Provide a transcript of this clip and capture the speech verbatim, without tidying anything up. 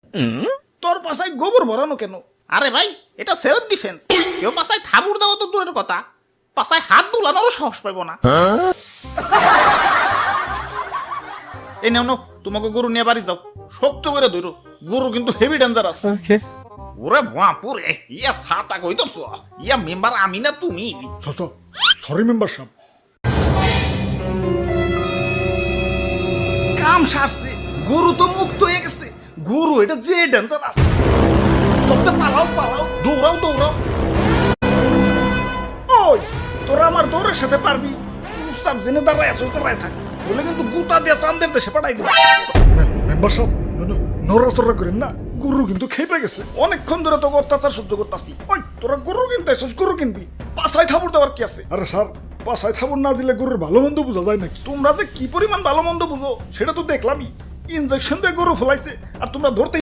তোর পাশায় গোবর ভরানো কেন? আরে ভাই এটা সেলফ ডিফেন্স। কেউ পাশায় থাবুর দেওয়া তো দূরের কথা, পাশায় হাত দুলানোরও সাহস পাইব না। এই নেও নাও, তোমাকে গরু নিয়ে বাড়ি যাও, শক্ত করে ধরো, গরু কিন্তু হেভি ডেঞ্জারাস। ওরে বাপুরে, ইয়া সাতা কই দছ, ইয়া মেম্বার আমি না তুমি? সরি মেম্বার সাহেব। কাম সারছে, গরু তো মুক্ত হয়ে গেছে। গরু এটা যে ডেঞ্জারাস, সবতে পালাও পালাও, দৌড়াও দৌড়াও। ওই তোরা আমার দৌড়ের সাথে পারবি? চুপচাপ জেনে দাঁড়ায় আছো, দাঁড়ায় থাক, বলে কিন্তু গুতা দিয়ে চান্দের দেশে পাঠাই দিবি। মেম্বার সাহেব নড়াচড়া করেন না, গরু কিন্তু খেপে গেছে। অনেকক্ষণ ধরে তোকে অত্যাচার সহ্য করতেছি। ওই তোরা গরু কিনতে আসছিস, গরু কিনবি, পাছায় থাবুর দেওয়ার কি আছে? আরে স্যার, পাছায় থাবুর না দিলে গরুর ভালো মন্দ বোঝা যায় নাকি? তোমরা যে কি পরিমাণ ভালো মন্দ বুঝো সেটা তো দেখলামই। ইনজেকশন দিয়ে গরু ফলাইছে আর তোমরা ধরতে